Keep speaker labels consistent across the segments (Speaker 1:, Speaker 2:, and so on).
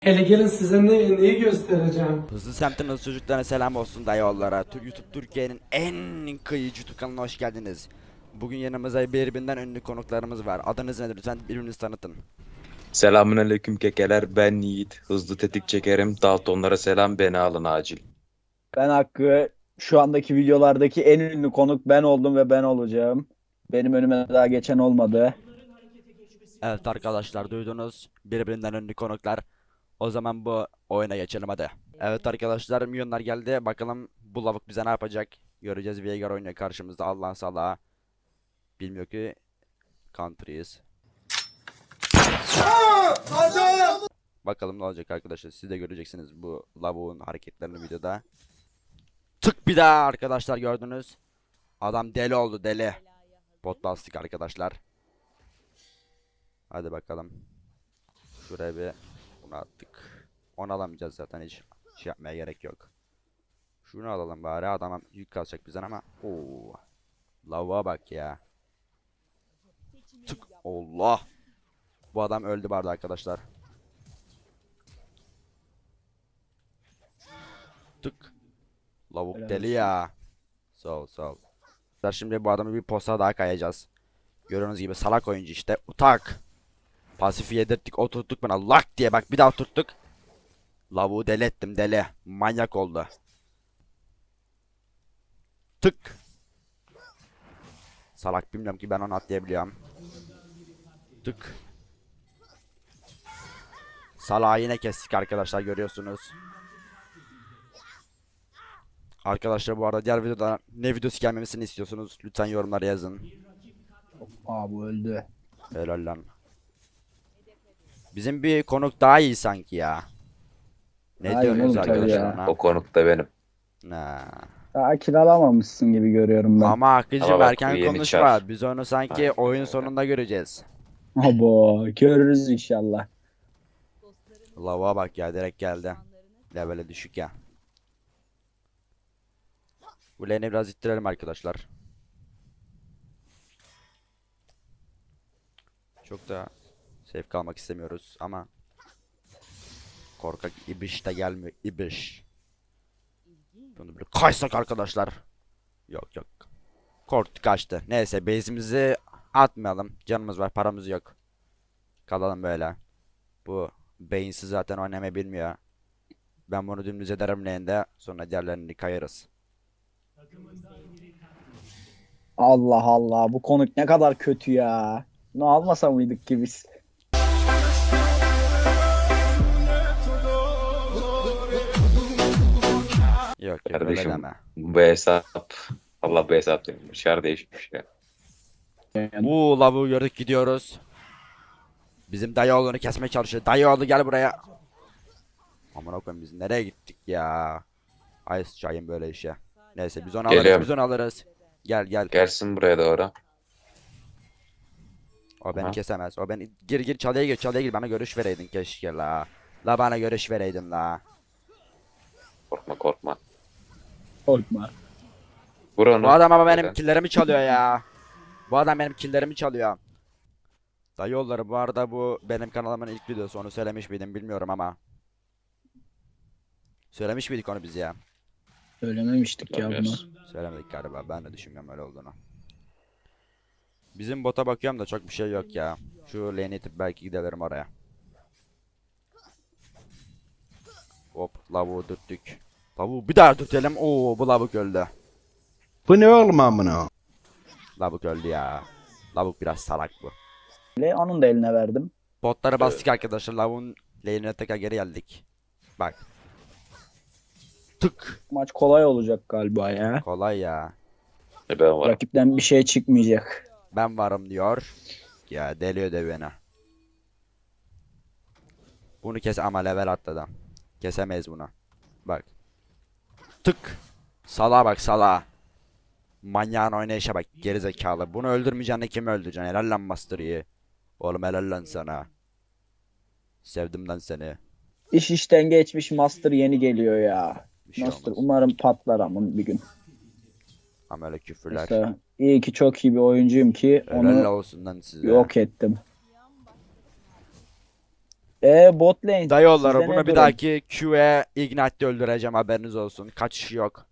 Speaker 1: Hele gelin size neyi göstereceğim.
Speaker 2: Hızlı semtin hızlı çocuklarına selam olsun dayıoğullara. YouTube Türkiye'nin en kıyıcı YouTube kanalına hoş geldiniz. Bugün yanımızda birbirinden ünlü konuklarımız var. Adınız nedir? Lütfen birbirinizi tanıtın.
Speaker 3: Selamünaleyküm kekeler, ben Yiğit. Hızlı tetik çekerim. Daltonlara selam, beni alın acil.
Speaker 4: Ben Hakkı, şu andaki videolardaki en ünlü konuk ben oldum ve ben olacağım. Benim önüme daha geçen olmadı.
Speaker 2: Evet arkadaşlar, duydunuz. Birbirinden ünlü konuklar. O zaman bu oyuna geçelim hadi. Evet arkadaşlar, milyonlar geldi. Bakalım bu lavuk bize ne yapacak? Göreceğiz. Veigar oynuyor karşımızda. Allah'ın salağı. Bilmiyor ki country'yiz. Bakalım ne olacak arkadaşlar. Siz de göreceksiniz bu lavuğun hareketlerini videoda. Tık bir daha arkadaşlar, gördünüz. Adam deli oldu, deli. Bot bastık arkadaşlar. Hadi bakalım. Şuraya bir bunu attık. Onu alamayacağız zaten, hiç şey yapmaya gerek yok. Şunu alalım bari, adama yük kalacak bizden ama. Oo. Lavuğa bak ya. Tık, Allah. Bu adam öldü barda arkadaşlar. Tık. Lavuk
Speaker 4: Helal
Speaker 2: deli
Speaker 4: olsun.
Speaker 2: ya. Sağ ol, sağ ol. Şimdi bu adamı bir posta daha kayacağız. Gördüğünüz gibi salak oyuncu işte. Utak. Pasifi yedirttik, oturttuk bana lak diye, bak bir daha oturttuk. Lavuğu deli ettim, deli. Manyak oldu. Tık. Salak, bilmiyorum ki ben onu atlayabiliyorum. Tık. Salağı yine kestik arkadaşlar, görüyorsunuz. Arkadaşlar bu arada diğer videoda ne videosu gelmemesini istiyorsunuz? Lütfen yorumlara yazın.
Speaker 4: Aa, bu öldü.
Speaker 2: Helal lan. Bizim bir konuk daha iyi sanki ya. Ne
Speaker 4: Aynen
Speaker 2: diyorsunuz
Speaker 4: oğlum, tabii
Speaker 2: arkadaşlar
Speaker 4: ya.
Speaker 2: ona?
Speaker 3: O konuk da benim.
Speaker 2: Ha.
Speaker 4: Daha kiralamamışsın gibi görüyorum ben.
Speaker 2: Ama Hakkı'cım
Speaker 3: Ama bak, bu
Speaker 2: erken
Speaker 3: yeni
Speaker 2: konuşma.
Speaker 3: çar.
Speaker 2: Biz onu sanki
Speaker 3: Aynen
Speaker 2: oyun
Speaker 3: öyle.
Speaker 2: sonunda göreceğiz.
Speaker 4: Abo, görürüz inşallah.
Speaker 2: Lavuğa bak ya, direkt geldi. Level'e düşük ya. Bu lane'i biraz ittirelim arkadaşlar. Çok da safe kalmak istemiyoruz ama korkak ibiş de gelmiyor, ibiş. Bunu bir kaçsak arkadaşlar. Yok yok. Korktu, kaçtı. Neyse, base'imizi atmayalım. Canımız var, paramız yok. Kalalım böyle. Bu beyinsiz zaten oynamayı bilmiyor. Ben bunu dümdüz ederim lane'de. Sonra diğerlerini kayarız.
Speaker 4: Allah Allah, bu konuk ne kadar kötü ya. Bunu almasa mıydık ki biz?
Speaker 2: Yok yok, öyle
Speaker 3: Kardeşim,
Speaker 2: deme.
Speaker 3: bu hesap, Allah bu hesap demiş. Dışarı değişmiş ya.
Speaker 2: Bu lavuğu gördük, gidiyoruz. Bizim dayıoğlunu kesmeye çalışıyor. Dayıoğlu gel buraya. Aman okuyun, biz nereye gittik ya? Ay sıçayım böyle işe. Neyse, biz onu alırız,
Speaker 3: Geliyorum.
Speaker 2: biz onu alırız. Gel gel.
Speaker 3: Gelsin buraya doğru.
Speaker 2: O beni
Speaker 3: Aha.
Speaker 2: kesemez. O beni, gir gir, çalıya gir, çalıya gir, bana görüş vereydin keşke la. La bana görüş vereydin la.
Speaker 3: Korkma korkma.
Speaker 4: Korkma.
Speaker 3: Vur onu.
Speaker 2: Bu adam ama benim
Speaker 3: Neden?
Speaker 2: killerimi çalıyor ya. Bu adam benim killerimi çalıyor. Dayıoğulları, bu arada bu benim kanalımın ilk videosu, onu söylemiş miydim bilmiyorum ama. Söylemiş miydik onu biz ya?
Speaker 4: Söylememiştik ya bunu.
Speaker 3: Bilmiyoruz.
Speaker 2: Söylemedik galiba, ben de düşünmüyorum öyle olduğunu. Bizim bota bakıyorum da çok bir şey yok ya. Şu lane'i itip belki gidelim oraya. Hop, lavuğu dürttük. Lavuğu bir daha dürtelim. Oo, bu lavuk öldü.
Speaker 5: Bu ne oğlum amına?
Speaker 2: Lavuk öldü ya. Lavuk biraz salak bu.
Speaker 4: Onun da eline verdim.
Speaker 2: Botları bastık arkadaşlar. Lavuğun lane'ine tekrar geri geldik. Bak. Tık.
Speaker 4: Maç kolay olacak galiba ya.
Speaker 2: Kolay ya.
Speaker 3: Ben varım.
Speaker 4: Rakipten bir şey çıkmayacak.
Speaker 2: Ben varım diyor. Ya deliyor de beni. Bunu kes ama level atladı. Kesemeyiz bunu. Bak. Tık. Salağa bak, salağa. Manyağın oynayışa bak, gerizekalı. Bunu öldürmeyeceksin de kimi öldüreceksin? Helal lan Master Yi. Oğlum helal lan sana. Sevdim lan seni.
Speaker 4: İş işten geçmiş, Master yeni geliyor ya.
Speaker 2: Bir şey
Speaker 4: Master
Speaker 2: olmaz.
Speaker 4: umarım patlar ama bir gün.
Speaker 2: Ama öyle küfürler.
Speaker 4: Mesela iyi ki çok iyi bir oyuncuyum ki
Speaker 2: Helal
Speaker 4: onu
Speaker 2: olsun lan size.
Speaker 4: yok ettim. Bot lane.
Speaker 2: Dayıoğulları
Speaker 4: Sizde ne
Speaker 2: bunu bir
Speaker 4: durum?
Speaker 2: dahaki Q'ye Ignite'de öldüreceğim, haberiniz olsun. Kaçış yok.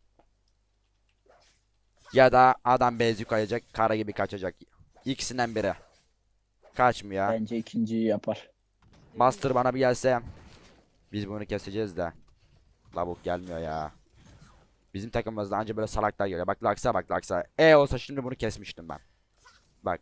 Speaker 2: Ya da adam bezi koyacak, kara gibi kaçacak. İkisinden biri. Kaçmıyor.
Speaker 4: Bence ikinciyi yapar.
Speaker 2: Master bana bir gelse biz bunu keseceğiz de. Lavuk gelmiyor ya. Bizim takımımızda anca böyle salaklar geliyor. Bak Laksa, bak Laksa. Olsa şimdi bunu kesmiştim ben. Bak.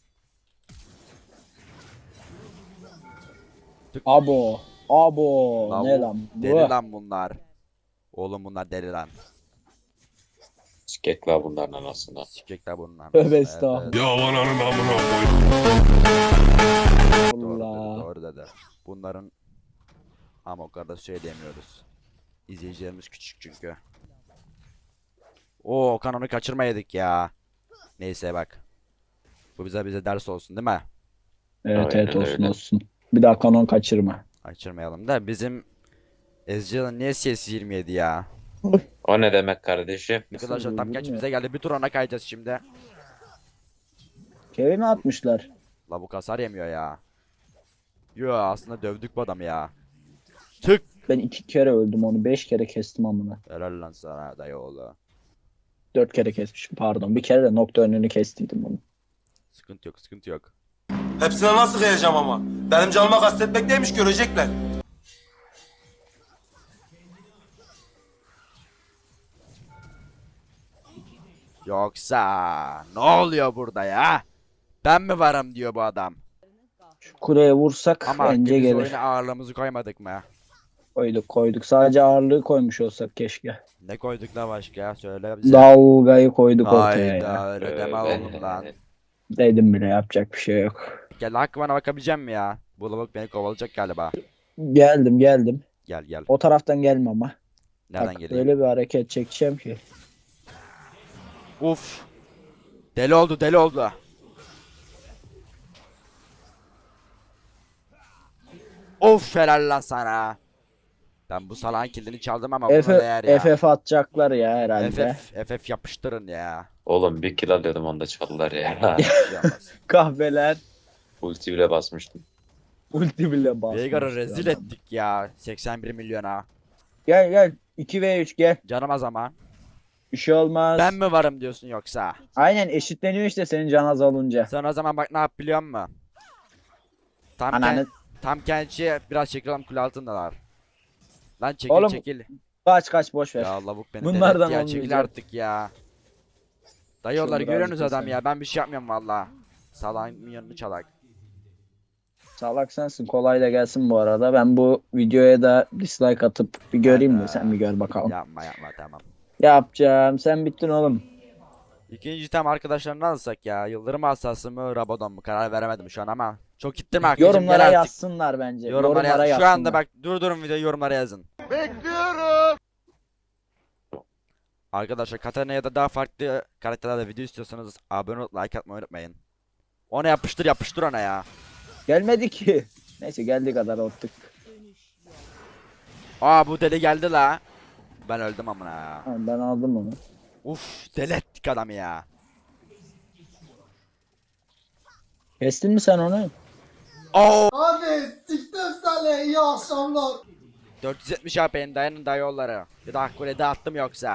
Speaker 4: Abo. Abo.
Speaker 2: Lavuk,
Speaker 4: Ne lan bu?
Speaker 2: deli lan bunlar. Oğlum bunlar deli lan.
Speaker 3: Sikek var bunların anasından.
Speaker 2: Sikecekler bunlar.
Speaker 4: Tövbe estağfurullah.
Speaker 6: Ya ananın amına koy.
Speaker 2: Doğru dedi,
Speaker 4: Allah.
Speaker 2: doğru dedi. Bunların ama o kadar söyleyemiyoruz. İzleyicilerimiz küçük çünkü. Oo, kanonu kaçırmayaydık ya. Neyse bak. Bu bize ders olsun değil mi?
Speaker 4: Evet
Speaker 3: Aynen
Speaker 4: evet olsun
Speaker 3: öyle.
Speaker 4: olsun. Bir daha kanon kaçırma.
Speaker 2: Kaçırmayalım da bizim Ezreal'ın niye CS 27 ya?
Speaker 3: O ne demek kardeşim?
Speaker 2: Arkadaşlar tam geç
Speaker 4: bilmiyorum.
Speaker 2: bize geldi. Bir tur ona kayacağız şimdi.
Speaker 4: Kevin mi atmışlar?
Speaker 2: La bu hasar yemiyor ya. Yo, aslında dövdük bu adamı ya. Tık.
Speaker 4: Ben 2 kere öldüm onu. 5 kere kestim amına.
Speaker 2: Helal lan sana dayıoğlu.
Speaker 4: 4 kere kesmişim pardon. Bir kere de nokta önünü kestiydim bunu.
Speaker 2: Sıkıntı yok, sıkıntı yok.
Speaker 7: Hepsine nasıl kıyacağım ama? Benim canıma kastetmek neymiş görecekler.
Speaker 2: Yoksa ne oluyor burada ya? Ben mi varım diyor bu adam.
Speaker 4: Şu kuleye vursak
Speaker 2: Ama
Speaker 4: bence
Speaker 2: biz
Speaker 4: gelir.
Speaker 2: oyuna ağırlığımızı koymadık mı?
Speaker 4: Koyduk koyduk. Sadece ağırlığı koymuş olsak keşke.
Speaker 2: Ne koyduk la başka? Söyle bize.
Speaker 4: Dalgayı koyduk ortaya ya.
Speaker 2: Hayda, öyle deme oğlum lan.
Speaker 4: Dedim bile yapacak bir şey yok.
Speaker 2: Gel Hakkı, bana bakabilecek mi ya? Bu lavuk beni kovalayacak galiba.
Speaker 4: Geldim geldim.
Speaker 2: Gel gel.
Speaker 4: O taraftan gelme ama.
Speaker 2: Nereden
Speaker 4: Bak,
Speaker 2: geleyim?
Speaker 4: öyle bir hareket çekeceğim ki.
Speaker 2: Uf. Deli oldu, deli oldu. Of, helal lan sana. Ben bu salağın kilidini çaldım ama buna değer ya.
Speaker 4: FF atacaklar ya herhalde.
Speaker 2: FF yapıştırın ya.
Speaker 3: Oğlum bir kill alıyordum onda çaldılar ya.
Speaker 2: Bir şey olmaz.
Speaker 4: Kahveler.
Speaker 3: Ulti bile basmıştım.
Speaker 4: Ulti bile basmış.
Speaker 2: Veigar'ı rezil
Speaker 4: adam.
Speaker 2: ettik ya. 81 milyona.
Speaker 4: Gel gel. 2v3 gel.
Speaker 2: Canım az ama.
Speaker 4: Bir şey olmaz.
Speaker 2: Ben mi varım diyorsun yoksa?
Speaker 4: Aynen eşitleniyor işte senin can az olunca.
Speaker 2: Sen o zaman bak ne yap biliyor musun? Tam,
Speaker 4: Ananı
Speaker 2: tam kendisi biraz çekilelim, kule altındalar. Lan çekil
Speaker 4: Oğlum,
Speaker 2: çekil.
Speaker 4: kaç boş ver.
Speaker 2: Ya lavuk beni
Speaker 4: Bunlardan
Speaker 2: delirtti ya, çekil
Speaker 4: olmayacak.
Speaker 2: artık ya. Dayıoğulları
Speaker 4: birazcık
Speaker 2: görüyorsunuz
Speaker 4: da
Speaker 2: adam
Speaker 4: sen.
Speaker 2: ya, ben bir şey yapmıyorum valla. Salağın minyonunu çalak.
Speaker 4: Salak sensin, kolay da gelsin bu arada. Ben bu videoya da dislike atıp bir göreyim de sen bir gör bakalım.
Speaker 2: Yapma yapma, tamam.
Speaker 4: Yapacağım. Sen bittin oğlum.
Speaker 2: İkinci tam arkadaşlarını alsak ya. Yıldırım asası mı, Rabadon mu? Karar veremedim şu an ama. Çok gittim arkadaşım,
Speaker 4: Yorumlara
Speaker 2: gel artık.
Speaker 4: yazsınlar bence.
Speaker 2: Yorumlara yaz. Şu
Speaker 4: yazsınlar.
Speaker 2: anda bak, durdurun videoyu, yorumlara yazın. Bekliyorum. Arkadaşlar Katarina ya da daha farklı karakterlerle video istiyorsanız abone olup like atmayı unutmayın. Ona yapıştır yapıştır ona ya.
Speaker 4: Gelmedi ki. Neyse geldiği kadar attık.
Speaker 2: Aa, bu deli geldi la. Ben öldüm amına ya.
Speaker 4: Ha, ben aldım onu.
Speaker 2: Uf, deli ettik adamı ya.
Speaker 4: Kestin mi sen onu?
Speaker 2: Oo.
Speaker 1: Hadi siktim seni, iyi akşamlar.
Speaker 2: 470 AP'nin dayanın dayıoğulları. Bir de Hakkı'ya dağıttım yoksa.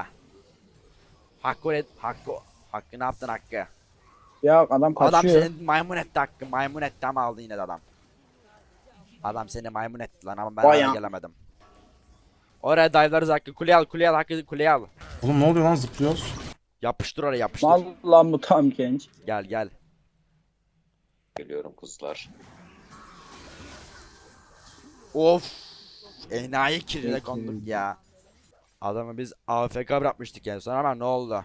Speaker 2: Hakkı ne yaptın Hakkı?
Speaker 4: Ya adam
Speaker 2: Adam
Speaker 4: kaçıyor.
Speaker 2: seni maymun etti Hakkı. Maymun etti ama aldı yine de adam. Adam seni maymun etti lan ama ben
Speaker 4: Vay
Speaker 2: hala
Speaker 4: ya.
Speaker 2: gelemedim. Oraya dive'larız Hakkı. Kuleye al Hakkı, kuleye al.
Speaker 6: Oğlum ne oluyor lan, zıplıyoruz?
Speaker 2: Yapıştır oraya, yapıştır.
Speaker 4: Mal lan bu tam genç.
Speaker 2: Gel.
Speaker 3: Geliyorum kızlar.
Speaker 2: Of. Enayi kirine konduk ya. Adamı biz AFK bırakmıştık en son ama ne oldu?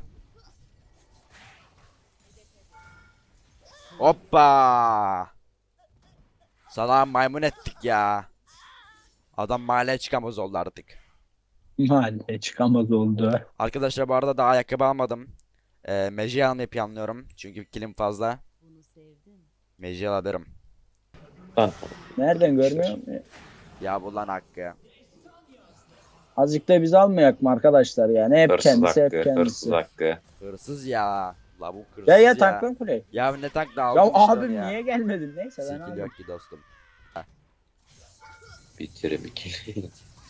Speaker 2: Hoppa. Sana maymun ettik ya. Adam mahalleye çıkamaz oldu artık.
Speaker 4: Mahalle çıkamaz oldu.
Speaker 2: Arkadaşlar bu arada daha ayakkabı almadım. Meji almayı planlıyorum. Çünkü kilim fazla. Meji alırım.
Speaker 3: Lan
Speaker 4: Nereden görmüyor musun?
Speaker 2: Ya bu lan Hakkı.
Speaker 4: Azıcık da biz almayak mı arkadaşlar yani? Hep
Speaker 3: hırsız
Speaker 4: kendisi hep
Speaker 3: hakkı,
Speaker 4: kendisi.
Speaker 3: hırsız hakkı.
Speaker 2: Hırsız ya. La bu hırsız
Speaker 4: Ya
Speaker 2: ya.
Speaker 4: tanklan kuley.
Speaker 2: Ya ne tank da
Speaker 4: Ya
Speaker 2: aldım işte onu
Speaker 4: abim
Speaker 2: ya.
Speaker 4: niye gelmedin? Neyse ben
Speaker 2: Sikil
Speaker 4: aldım.
Speaker 2: yok ki dostum.
Speaker 3: Bitirim ikili.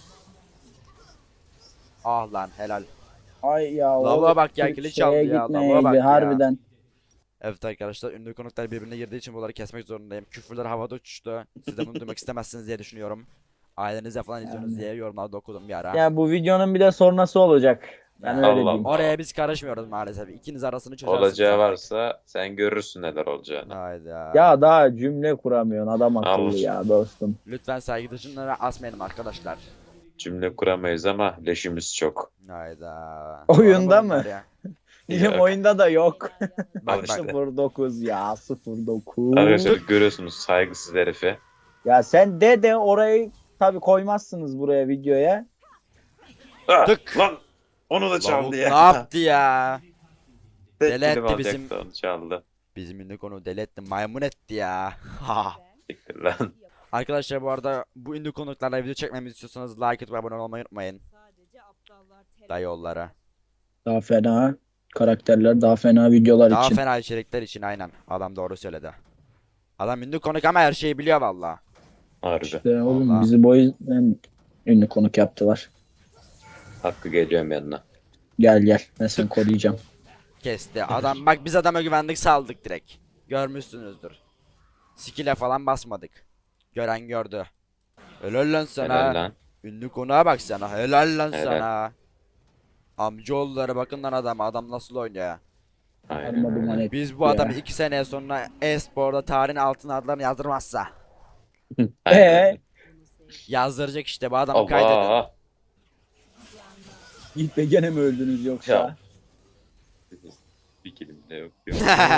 Speaker 2: Ah lan helal.
Speaker 4: Ay ya.
Speaker 2: Lavuğa
Speaker 4: o
Speaker 2: bak ya,
Speaker 4: şeye
Speaker 2: kili çaldı ya,
Speaker 4: gitmeyeydi,
Speaker 2: lavuğa bak ya.
Speaker 4: harbiden.
Speaker 2: Evet arkadaşlar, ünlü konuklar birbirine girdiği için bunları kesmek zorundayım. Küfürler havada uçuştu. Siz de bunu duymak istemezsiniz diye düşünüyorum. Ailenizle falan izliyorsunuz diye yorumlarda okudum bir ara.
Speaker 4: Ya bu videonun bir de sonrası olacak. Ben öyle
Speaker 3: Allah
Speaker 4: diyeyim.
Speaker 3: Allah.
Speaker 2: Oraya biz karışmıyoruz maalesef. İkiniz arasını çözersiniz.
Speaker 3: Olacağı
Speaker 2: artık.
Speaker 3: varsa sen görürsün neler olacağını.
Speaker 2: Hayda.
Speaker 4: Ya daha cümle kuramıyorsun adam akıllı
Speaker 3: Allah.
Speaker 4: ya dostum.
Speaker 2: Lütfen saygı dışınlara asmayalım arkadaşlar.
Speaker 3: Cümle kuramayız ama leşimiz çok.
Speaker 2: Hayda.
Speaker 4: Oyunda
Speaker 2: Var
Speaker 4: mı?
Speaker 2: bunlar ya?
Speaker 4: Bizim
Speaker 3: Yok.
Speaker 4: oyunda da yok.
Speaker 2: Bak
Speaker 3: işte.
Speaker 2: bak.
Speaker 4: 09 ya 09.
Speaker 3: Arkadaşlar görüyorsunuz saygısız herifi.
Speaker 4: Ya sen de orayı tabi koymazsınız buraya videoya.
Speaker 3: Ah,
Speaker 2: Tık.
Speaker 3: lan onu da çaldı
Speaker 2: Lavuk
Speaker 3: ya.
Speaker 2: ne yaptı ya?
Speaker 3: Tek
Speaker 2: Deli
Speaker 3: dilim
Speaker 2: etti
Speaker 3: alacaktı,
Speaker 2: bizim-
Speaker 3: onu çaldı.
Speaker 2: Bizim ünlü konu deli etti, maymun etti ya. Ha.
Speaker 3: Siktir lan.
Speaker 2: Arkadaşlar bu arada bu ünlü konuklarla video çekmemizi istiyorsanız like atıp abone olmayı unutmayın. Dayı yollara.
Speaker 4: Daha fena karakterler, daha fena videolar
Speaker 2: Daha
Speaker 4: için.
Speaker 2: fena içerikler için aynen. Adam doğru söyledi. Adam ünlü konuk ama her şeyi biliyor valla.
Speaker 3: Harbi.
Speaker 4: İşte oğlum
Speaker 2: Vallahi.
Speaker 4: bizi bu yüzden ünlü konuk yaptılar.
Speaker 3: Hakkı geliyorum yanına.
Speaker 4: Gel ben seni koruyacağım.
Speaker 2: Kesti. Adam bak, biz adama güvendik, saldık direkt. Görmüşsünüzdür. Skill'e falan basmadık. Gören gördü. Helal lan sana.
Speaker 3: Helal lan.
Speaker 2: Ünlü konuğa bak sana. Helal lan
Speaker 3: Helal.
Speaker 2: sana. Amcaoğulları bakın lan adam. Adam nasıl oynuyor ya.
Speaker 3: Aynen
Speaker 4: Arma duman
Speaker 3: öyle.
Speaker 4: etti
Speaker 2: Biz bu
Speaker 4: ya.
Speaker 2: adamı 2 sene sonra e-sporda tarihin altın adlarını yazdırmazsa.
Speaker 3: Aynen
Speaker 4: Ee,
Speaker 3: öyle.
Speaker 2: Yazdıracak işte, bu adamı kaydedin.
Speaker 3: Allah.
Speaker 4: Yiğit Bey gene mi öldünüz yoksa?
Speaker 3: Ya. Bir kelim de yok. yok.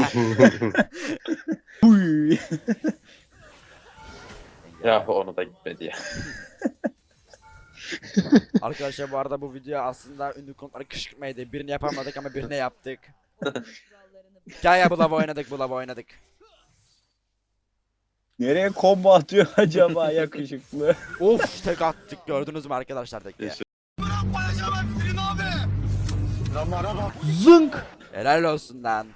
Speaker 4: Uy.
Speaker 3: Ya onu da gitmedi ya.
Speaker 2: Arkadaşlar bu arada bu video aslında ünlü konukları kışkırtmaydı. Birini yapamadık ama birine yaptık. Gel ya, bu lava oynadık, bu lava oynadık.
Speaker 4: Nereye combo atıyor acaba yakışıklı?
Speaker 2: Of, tek attık, gördünüz mü arkadaşlar teki?
Speaker 4: Zınk.
Speaker 2: Helal olsun lan.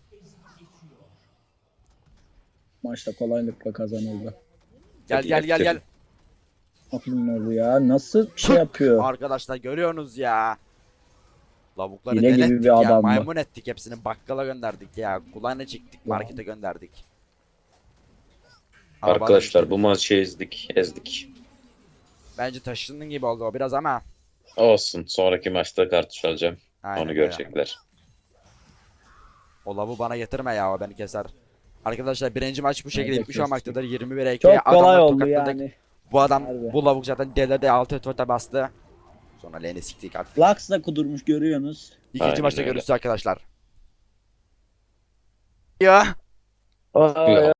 Speaker 4: Maçta kolaylıkla kazanıldı.
Speaker 2: Gel
Speaker 3: Hadi
Speaker 2: gel gel gel.
Speaker 4: Aklım oldu ya. Nasıl bir şey yapıyor?
Speaker 2: Arkadaşlar görüyorsunuz ya. Lavukları
Speaker 4: Hile gibi
Speaker 2: denettik
Speaker 4: bir
Speaker 2: ya,
Speaker 4: adam bu.
Speaker 2: maymun ettik hepsini, bakkala gönderdik ya. Kulağına çektik, markete gönderdik. Ama
Speaker 3: Arkadaşlar
Speaker 2: bana-
Speaker 3: bu maçı ezdik.
Speaker 2: Bence taşındığın gibi oldu o biraz ama.
Speaker 3: Olsun. Sonraki maçta kartuş alacağım.
Speaker 2: Aynen
Speaker 3: Onu
Speaker 2: öyle.
Speaker 3: görecekler.
Speaker 2: O lavu bana getirme ya, o beni keser. Arkadaşlar birinci maç bu şekilde
Speaker 4: Evet,
Speaker 2: bitmiş olmaktadır. 21'e 2.
Speaker 4: Çok kolay
Speaker 2: Adamları
Speaker 4: oldu
Speaker 2: tokatladık.
Speaker 4: yani.
Speaker 2: Bu adam,
Speaker 4: Harbi.
Speaker 2: bu lavuk zaten delirdi, 6 tuvalete bastı. Sonra lane'i siktik artık.
Speaker 4: Lux da kudurmuş görüyorsunuz.
Speaker 2: İkinci
Speaker 3: Aynen
Speaker 2: maçta
Speaker 3: öyle.
Speaker 2: görüşürüz arkadaşlar. Ya.
Speaker 3: Ya.